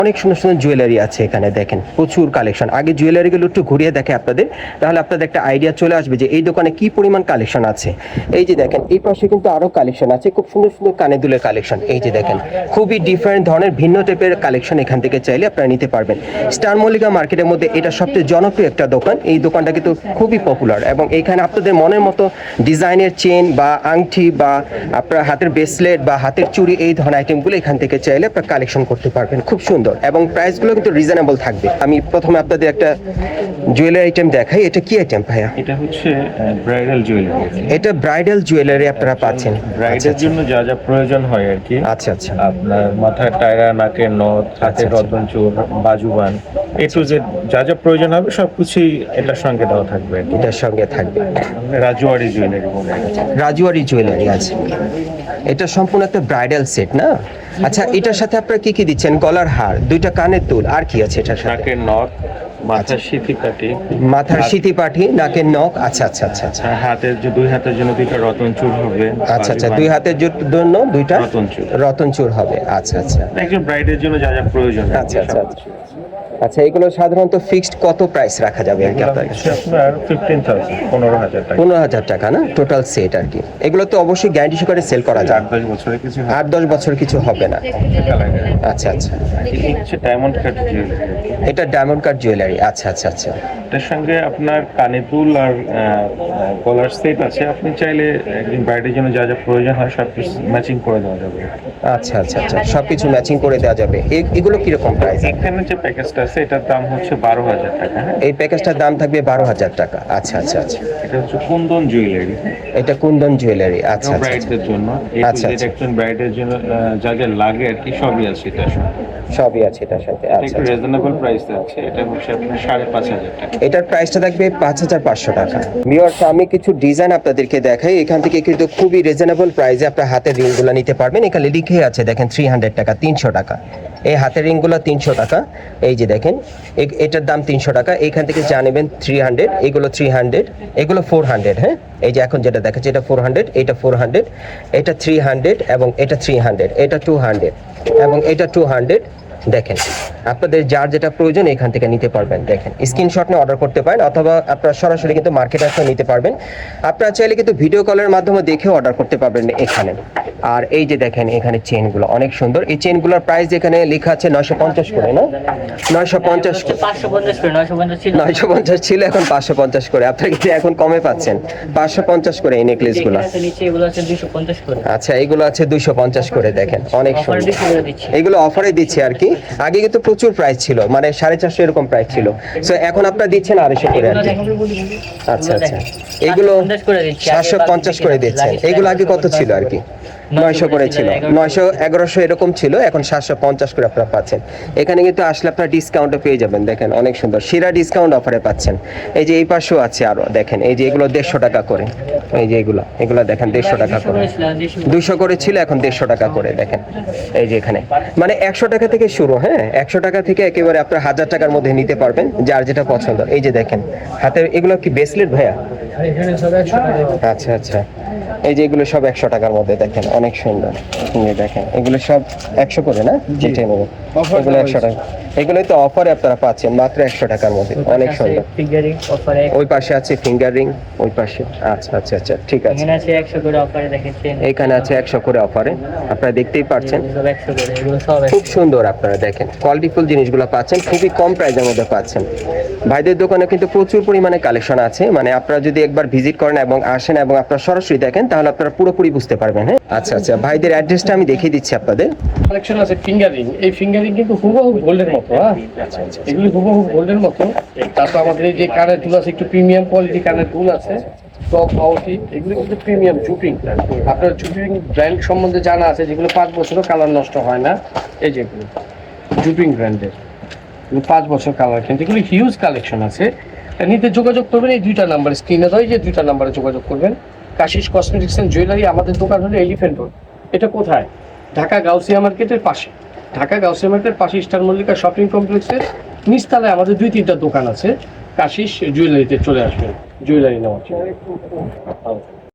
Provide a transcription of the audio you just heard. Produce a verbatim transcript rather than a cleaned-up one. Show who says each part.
Speaker 1: অনেক সুন্দর সুন্দর জুয়েলারি আছে এখানে দেখেন, প্রচুর কালেকশন। আগে জুয়েলারিগুলো একটু ঘুরিয়ে দেখে আপনাদের, তাহলে আপনাদের একটা আইডিয়া চলে আসবে যে এই দোকানে কি পরিমাণ কালেকশন আছে। এই যে দেখেন এই পাশে কিন্তু আরো কালেকশন আছে, খুব সুন্দর সুন্দর কানে দুলের কালেকশন। এই যে দেখেন খুবই ডিফারেন্ট ধরনের ভিন্ন টাইপের কালেকশন এখান থেকে চাইলে আপনারা নিতে পারবেন। স্টার মল্লিকা মার্কেটের মধ্যে এটা সবচেয়ে জনপ্রিয় একটা দোকান। এই দোকানটা কিন্তু খুবই পপুলার এবং এখানে আপনাদের মনের মতো ডিজাইনের চেন বা আংটি বা আপনার হাতের ব্রেসলেট বা হাতের চুড়ি এই ধরনের আইটেমগুলো এখান থেকে চাইলে আপনারা কালেকশন করতে পারবেন। খুব সুন্দর এবং প্রাইসগুলো কিন্তু রিজনেবল থাকবে। আমি প্রথমে আপনাদের একটা জুয়েলারি আইটেম দেখাই। এটা কি আইটেম ভাইয়া?
Speaker 2: এটা হচ্ছে ব্রাইডাল জুয়েলারি।
Speaker 1: এটা ব্রাইডাল জুয়েলারি আপনারা পাচ্ছেন
Speaker 2: ব্রাইডের জন্য যা যা প্রয়োজন হয় আর কি।
Speaker 1: আচ্ছা আচ্ছা।
Speaker 2: আপনার মাথার টায়রা, নাকের নথ, হাতের রতন চূড়, বাজুবান, এ টু জেড যা যা প্রয়োজন হবে সবকিছুই এটার সঙ্গে দেওয়া থাকবে।
Speaker 1: এটার সঙ্গে থাকবে
Speaker 2: রাজুয়ারি জুয়েলারি বলে।
Speaker 1: রাজুয়ারি জুয়েলারি আছে। এটা সম্পূর্ণ একটা ব্রাইডাল সেট না? আচ্ছা, এটার সাথে আপনারা কি কি দিচ্ছেন? গলার হার, দুইটা কানের দুল, আর কি আছে এটার সাথে?
Speaker 2: নাকের নথ, মাথার সিথি পাটি,
Speaker 1: মাথার সিথি পাটি, নাকের নখ। আচ্ছা আচ্ছা আচ্ছা আচ্ছা।
Speaker 2: হাতের যে দুই হাতের জন্য দুইটা রতন চূড় হবে।
Speaker 1: আচ্ছা আচ্ছা, দুই হাতের জন্য দুইটা
Speaker 2: রতন চূড়
Speaker 1: রতন চূড় হবে। আচ্ছা আচ্ছা।
Speaker 2: একজন ব্রাইডের জন্য যা যা প্রয়োজন।
Speaker 1: আচ্ছা আচ্ছা আচ্ছা। আচ্ছা, এগুলো সাধারণত ফিক্সড কত প্রাইস রাখা যাবে আর কি আপনার কাছে?
Speaker 2: আপনার ফিফটিন থাউজেন্ড, পনেরো হাজার টাকা।
Speaker 1: পনেরো হাজার টাকা না টোটাল সেট আর কি। এগুলো তো অবশ্যই গ্যারান্টি সহকারে সেল করা যায়।
Speaker 2: আট দশ বছরের কিছু
Speaker 1: আট দশ বছর কিছু হবে না। আচ্ছা আচ্ছা।
Speaker 2: হচ্ছে ডায়মন্ড কাট জুয়েলারি।
Speaker 1: এটা ডায়মন্ড কাট জুয়েলারি। আচ্ছা আচ্ছা আচ্ছা।
Speaker 2: এটার সঙ্গে আপনার কানে দুল আর গলার সেট আছে। আপনি চাইলে একদিন ব্রাইডের জন্য যা যা প্রয়োজন হয় সব কিছু ম্যাচিং করে দেওয়া যাবে।
Speaker 1: আচ্ছা আচ্ছা আচ্ছা, সবকিছু ম্যাচিং করে দেওয়া যাবে। এগুলো কিরকম প্রাইস?
Speaker 2: এখানে যে প্যাকেজটা আছে এটার দাম হচ্ছে বারো হাজার টাকা।
Speaker 1: এই প্যাকেজটার দাম থাকবে বারো হাজার টাকা। আচ্ছা আচ্ছা আচ্ছা।
Speaker 2: এটা হচ্ছে কুন্দন জুয়েলারি।
Speaker 1: এটা কুন্দন জুয়েলারি। আচ্ছা আচ্ছা।
Speaker 2: ব্রাইডদের জন্য,
Speaker 1: আচ্ছা আচ্ছা।
Speaker 2: একজন ব্রাইডের জন্য যা যা লাগে আর কি সবই আছে এটার সাথে।
Speaker 1: সবই আছে এটার সাথে। আচ্ছা,
Speaker 2: একটু রিজনেবল প্রাইস আছে। এটা হচ্ছে আপনার সাড়ে পাঁচ হাজার টাকা।
Speaker 1: এটার প্রাইসটা থাকবে পাঁচ হাজার পাঁচশো টাকা। ভিউয়ার্স, আমি কিছু ডিজাইন আপনাদেরকে দেখাই। এখান থেকে কিন্তু খুবই রিজনেবল প্রাইসে আপনার হাতের রিংগুলো নিতে পারবেন। এখানে লিখে আছে দেখেন থ্রি হান্ড্রেড টাকা, তিনশো টাকা। এই হাতের রিংগুলো তিনশো টাকা। এই যে দেখেন এটার দাম তিনশো টাকা। এইখান থেকে যা নেবেন থ্রি হান্ড্রেড, এগুলো থ্রি হান্ড্রেড, এগুলো ফোর হান্ড্রেড। হ্যাঁ, এই যে এখন যেটা দেখাচ্ছে এটা ফোর হান্ড্রেড, এটা ফোর হান্ড্রেড, এটা থ্রি হান্ড্রেড এবং এটা থ্রি হান্ড্রেড, এটা টু হান্ড্রেড এবং এটা টু হান্ড্রেড। দেখেন আপনাদের যার যেটা প্রয়োজন এখান থেকে নিতে পারবেন। দেখেন স্ক্রিনশট নিয়ে অর্ডার করতে পারেন অথবা আপনারা সরাসরি কিন্তু মার্কেট আসলে নিতে পারবেন। আপনারা চাইলে কিন্তু ভিডিও কলের মাধ্যমে দেখে অর্ডার করতে পারবেন এখানে। আর এই যে দেখেন এখানে চেনগুলো অনেক সুন্দর। এই চেনগুলোর প্রাইস এখানে লেখা আছে নয়শো পঞ্চাশ করে না? নয়শো পঞ্চাশ নয়শো পঞ্চাশ ছিল, এখন পাঁচশো পঞ্চাশ করে। আপনারা কিন্তু এখন কমে পাচ্ছেন পাঁচশো পঞ্চাশ করে এই নেকলেসগুলো। আচ্ছা, এগুলো আছে দুইশো পঞ্চাশ করে। দেখেন অনেক সুন্দর, এগুলো অফারে দিচ্ছে আর কি। আগে কিন্তু প্রচুর প্রাইস ছিল, মানে সাড়ে চারশো এরকম প্রাইস ছিল। সো এখন আপনারা দিচ্ছেন আড়াইশো করে আর কি। আচ্ছা আচ্ছা, এগুলো সাতশো পঞ্চাশ করে দিচ্ছেন। এগুলো আগে কত ছিল আর কি? নয়শো করে ছিল, নয়শো এগারোশো এরকম ছিল, এখন সাতশো পঞ্চাশ করে আপনারা পাচ্ছেন। এখানে কিন্তু আসলে আপনারা ডিসকাউন্টও পেয়ে যাবেন। দেখেন অনেক সুন্দর সেরা ডিসকাউন্ট অফারে পাচ্ছেন। এই যে এই পাশেও আছে আরো, দেখেন এই যে এগুলো দেড়শো টাকা করে। এই যে এগুলো এগুলো দেখেন দেড়শো টাকা করে, দুইশো করে ছিল, এখন দেড়শো টাকা করে। দেখেন এই যে এখানে মানে একশো টাকা থেকে শুরু। হ্যাঁ, একশো টাকা থেকে একেবারে আপনার হাজার টাকার মধ্যে নিতে পারবেন যার যেটা পছন্দ। এই যে দেখেন হাতের এগুলো কি ব্রেসলেট ভাইয়া? আচ্ছা আচ্ছা, এই যে এগুলো সব একশো টাকার মধ্যে। দেখেন অনেক সুন্দর। দেখেন এগুলো সব একশো করে না? যেটা নেবেন এগুলো একশো টাকা। এগুলোই তো অফারে আপনারা পাচ্ছেন মাত্র একশো টাকার মধ্যে। অনেক সুন্দর। ওই পাশে আছে ফিঙ্গার রিং, ওই পাশে। আচ্ছা আচ্ছা আচ্ছা, ঠিক আছে। এখানে আছে একশো করে অফারে, দেখেন এখানে আছে একশো করে অফারে। আপনারা দেখতেই পাচ্ছেন খুব সুন্দর। আপনারা দেখেন কোয়ালিটিফুল জিনিসগুলো পাচ্ছেন, খুবই কম প্রাইসের মধ্যে পাচ্ছেন। ভাইদের দোকানে কিন্তু প্রচুর পরিমাণে কালেকশন আছে। মানে আপনারা যদি একবার ভিজিট করেন এবং আসেন এবং আপনারা সরাসরি দেখেন তাহলে আপনারা পুরোপুরি বুঝতে পারবেন। হ্যাঁ, আচ্ছা আচ্ছা, ভাইদের অ্যাড্রেসটা আমি দেখিয়ে দিচ্ছি আপনাদের।
Speaker 3: কালেকশন আছে ফিঙ্গার রিং। এই ফিঙ্গার রিং কিন্তু হুবহু গোল্ডের মতো। হ্যাঁ, এগুলি হুবহু গোল্ডের মতো। তারপর আমাদের এই যে কানের দুল আছে, একটু প্রিমিয়াম কোয়ালিটি কানের দুল আছে, টপ আউটি। এগুলো কিন্তু প্রিমিয়াম জুপিং। আপনার জুপিং ব্র্যান্ড সম্বন্ধে জানা আছে, যেগুলো পাঁচ বছরও কালার নষ্ট হয় না। এই যেগুলো জুপিং ব্র্যান্ডের, পাঁচ বছর কালার, কিন্তু এগুলো হিউজ কালেকশন আছে। নিতে যোগাযোগ করবেন এই দুইটা নাম্বার স্ক্রিনে দেয়, যে দুইটা নাম্বারে যোগাযোগ করবেন। কাশিস কসমেটিক্স এন্ড জুয়েলারি, আমাদের দোকান হলো এলিফ্যান্ট রোড। এটা কোথায়? ঢাকা গাউসিয়া মার্কেটের পাশে। ঢাকা গাউসিয়া মার্কেটের পাশে স্টার মল্লিকা শপিং কমপ্লেক্সের নিচতলায় আমাদের দুই তিনটা দোকান আছে। কাশিস জুয়েলারিতে চলে আসবেন জুয়েলারি নেওয়ার জন্য।